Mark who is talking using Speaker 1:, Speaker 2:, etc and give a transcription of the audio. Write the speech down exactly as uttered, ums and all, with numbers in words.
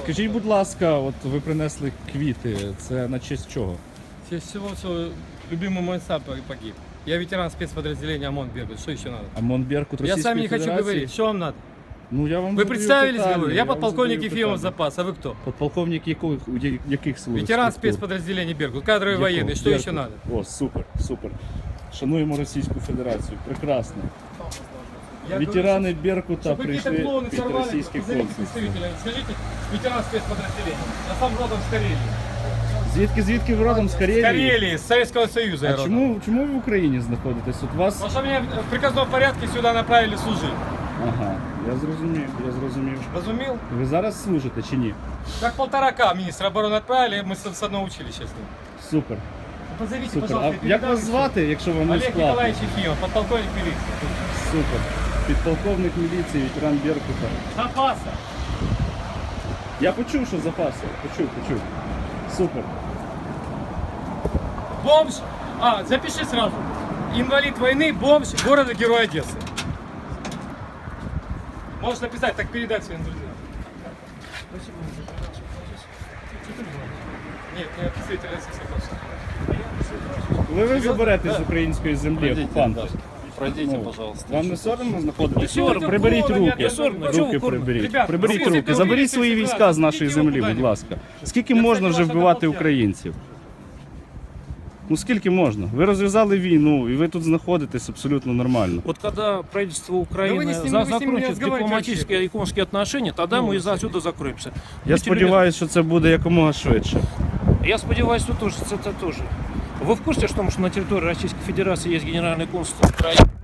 Speaker 1: Скажіть, будь ласка, от ви принесли квіти, це на честь чого?
Speaker 2: В честь всего, что любимый мой сапер погиб. Я ветеран спецподразделения ОМОН Беркут. Что еще надо?
Speaker 1: ОМОН Беркут
Speaker 2: Я
Speaker 1: Російської
Speaker 2: с вами не хочу
Speaker 1: Федерації?
Speaker 2: говорить. Что вам надо?
Speaker 1: Ну, я вам
Speaker 2: Вы
Speaker 1: задаю
Speaker 2: представились,
Speaker 1: питання,
Speaker 2: говорю? Я
Speaker 1: вам
Speaker 2: подполковник
Speaker 1: задаю
Speaker 2: Ефимов
Speaker 1: питання.
Speaker 2: запас. А вы кто?
Speaker 1: Подполковник яких, яких сил?
Speaker 2: Ветеран спецподразделения Беркут. Кадровый военный. Что еще надо?
Speaker 1: О, супер, супер. Шануємо Російську Федерацію. Прекрасно.
Speaker 2: Я
Speaker 1: Ветерани Беркута
Speaker 2: Чтобы какие-то
Speaker 1: прийшли
Speaker 2: клоуны
Speaker 1: під
Speaker 2: сорвали,
Speaker 1: російське
Speaker 2: позовите
Speaker 1: консульство.
Speaker 2: представителя. Скажите, ветеран спецподразделения. Я сам родом с Карелии.
Speaker 1: Звідки, звідки ви родом? З
Speaker 2: С
Speaker 1: Карелії?
Speaker 2: Карелии, с Советского Союза я
Speaker 1: А
Speaker 2: родом.
Speaker 1: чому, чому ви в Україні знаходитесь? От вас...
Speaker 2: Потому что меня в приказном порядке сюда направили служить.
Speaker 1: Ага, я зрозумів, я зрозумів.
Speaker 2: Разумел?
Speaker 1: Ви зараз служите чи ні?
Speaker 2: Как полторака министра обороны отправили, мы с с одного училища с ним.
Speaker 1: Супер,
Speaker 2: Позовите,
Speaker 1: супер.
Speaker 2: пожалуйста,
Speaker 1: А як вас звати, якщо вам не
Speaker 2: Олег
Speaker 1: складно?
Speaker 2: Николаевич Ефимов, подполковник милиции.
Speaker 1: Супер. Підполковник міліції, ветеран Беркута.
Speaker 2: Запаса.
Speaker 1: Я почув, що запаси. Почув, почув. Супер.
Speaker 2: Бомж. А, запиши сразу. Инвалид войны, бомж, города-герой Одессы. Можешь написать, так передать своим друзьям. Нет, не представитель Российской Федерации.
Speaker 1: Коли ви заберете з української землі окупанта?
Speaker 3: Пройдите,
Speaker 1: Ну,
Speaker 3: пожалуйста.
Speaker 1: Вам не соромно знаходитися?
Speaker 2: Не соромно.
Speaker 1: Приберіть
Speaker 2: Соромно,
Speaker 1: руки.
Speaker 2: не соромно.
Speaker 1: Руки
Speaker 2: Чого ви
Speaker 1: приберіть.
Speaker 2: Ребята,
Speaker 1: Приберіть
Speaker 2: ну,
Speaker 1: руки.
Speaker 2: ви
Speaker 1: Заберіть
Speaker 2: говорите
Speaker 1: свої
Speaker 2: ситуацію.
Speaker 1: війська з нашої
Speaker 2: Ідіть його
Speaker 1: землі, будь
Speaker 2: куди-небудь.
Speaker 1: ласка. Скільки
Speaker 2: Я,
Speaker 1: можна
Speaker 2: кстати,
Speaker 1: вже
Speaker 2: вас
Speaker 1: вбивати
Speaker 2: одоплатив.
Speaker 1: українців? Ну скільки можна? Ви розв'язали війну і ви тут знаходитесь абсолютно нормально.
Speaker 4: Вот когда правительство
Speaker 2: Да вы
Speaker 4: Украины
Speaker 2: не с ним-
Speaker 4: за-
Speaker 2: вы с ним не
Speaker 4: закончит
Speaker 2: разговариваете
Speaker 4: дипломатические и экономические отношения, тогда
Speaker 2: Ну,
Speaker 4: мы из отсюда закроемся.
Speaker 1: Я
Speaker 4: Будьте
Speaker 1: сподіваюся, що це буде якомога швидше.
Speaker 4: любезны. Я сподіваюся, що тоже, це, це тоже. Вы в курсе, что, что на территории Российской Федерации есть генеральный консул Украины?